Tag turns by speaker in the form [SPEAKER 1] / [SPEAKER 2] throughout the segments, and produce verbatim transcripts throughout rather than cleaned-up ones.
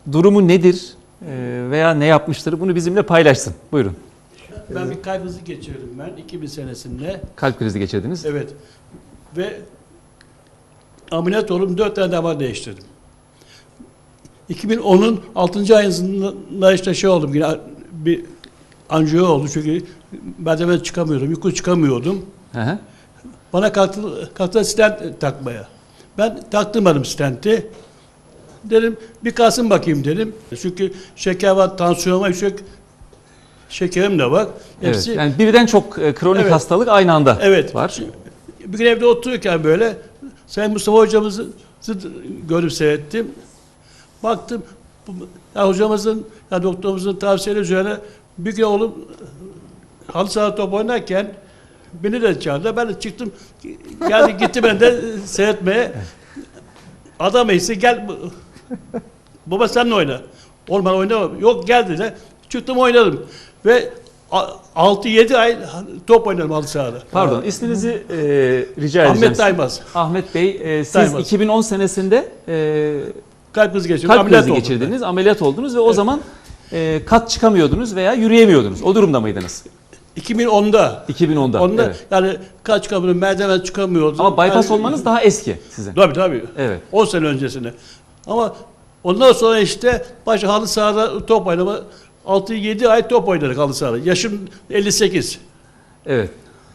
[SPEAKER 1] durumu nedir e, veya ne yapmıştır bunu bizimle paylaşsın. Buyurun.
[SPEAKER 2] Ben bir kalp krizi geçirdim ben iki bin senesinde.
[SPEAKER 1] Kalp krizi geçirdiniz.
[SPEAKER 2] Evet. Ve ameliyat olup dört tane damar değiştirdim. iki bin onun altıncı ayında işte şey oldum yine bir anjiyo oldu çünkü merdiven çıkamıyordum, yukarı çıkamıyordum.
[SPEAKER 1] Hı hı.
[SPEAKER 2] Bana kalktı, kalktı stent takmaya. Ben taktırmadım stenti. Dedim bir kalsın bakayım dedim. Çünkü şeker var, tansiyon var, yüksek şekerim de var.
[SPEAKER 1] Evet, yani birden çok e, kronik
[SPEAKER 2] Evet.
[SPEAKER 1] hastalık aynı anda
[SPEAKER 2] Evet.
[SPEAKER 1] var.
[SPEAKER 2] Bir gün evde otururken böyle Sayın Mustafa hocamızı görüp seyrettim. Baktım bu, ya hocamızın, ya doktorumuzun tavsiyeleri üzerine bir gün oğlum halı saha top oynarken beni de çağırdı. Ben de çıktım. Geldi gitti ben de seyretmeye. Adam ise gel baba sen de oyna. Oğlum ben oynamam. Yok gel dedi. Çıktım oynadım. Ve altı yedi ay top oynadım halı sahada.
[SPEAKER 1] Pardon, isminizi e, rica edeceğim.
[SPEAKER 2] Ahmet Daymaz.
[SPEAKER 1] Ahmet Bey, e, siz
[SPEAKER 2] Daymaz.
[SPEAKER 1] iki bin on senesinde e,
[SPEAKER 2] Kalp krizi geçirdim.
[SPEAKER 1] kalp
[SPEAKER 2] ameliyat
[SPEAKER 1] krizi
[SPEAKER 2] oldum
[SPEAKER 1] geçirdiniz,
[SPEAKER 2] ben.
[SPEAKER 1] ameliyat oldunuz ve o
[SPEAKER 2] Evet.
[SPEAKER 1] zaman e, kat çıkamıyordunuz veya yürüyemiyordunuz. O durumda mıydınız?
[SPEAKER 2] iki bin onda.
[SPEAKER 1] iki bin onda.
[SPEAKER 2] Onda
[SPEAKER 1] Evet.
[SPEAKER 2] yani kaç çıkamıyordum, merdiven çıkamıyordum.
[SPEAKER 1] Ama bypass
[SPEAKER 2] yani,
[SPEAKER 1] olmanız daha eski sizin.
[SPEAKER 2] Tabii tabii.
[SPEAKER 1] Evet.
[SPEAKER 2] on sene öncesine. Ama ondan sonra işte baş halı sahada top oynama altı yedi ay top oynadık halı sahada. Yaşım elli sekiz.
[SPEAKER 1] Evet.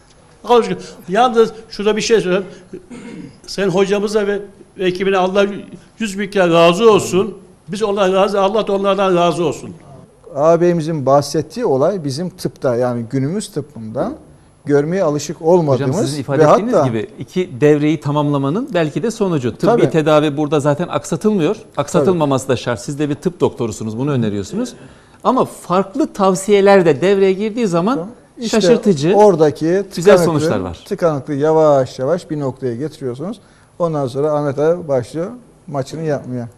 [SPEAKER 2] Yalnız şurada bir şey söyleyeyim. Sen hocamıza ve, ve ekibine Allah yüz bin kere razı olsun. Biz onlardan razı, Allah da onlardan razı olsun.
[SPEAKER 3] Ağabeyimizin bahsettiği olay bizim tıpta yani günümüz tıbbında görmeye alışık olmadığımız
[SPEAKER 1] Hocam sizin ifade
[SPEAKER 3] ve
[SPEAKER 1] ettiğiniz
[SPEAKER 3] hatta
[SPEAKER 1] gibi iki devreyi tamamlamanın belki de sonucu. Tıbbi
[SPEAKER 3] Tabii.
[SPEAKER 1] tedavi burada zaten aksatılmıyor. Aksatılmaması da şart. Siz de bir tıp doktorusunuz, bunu öneriyorsunuz. Ama farklı tavsiyeler de devreye girdiği zaman
[SPEAKER 3] işte
[SPEAKER 1] şaşırtıcı,
[SPEAKER 3] oradaki
[SPEAKER 1] güzel sonuçlar var.
[SPEAKER 3] Tıkanıklığı yavaş yavaş bir noktaya getiriyorsunuz. Ondan sonra Ahmet abi başlıyor maçını yapmaya.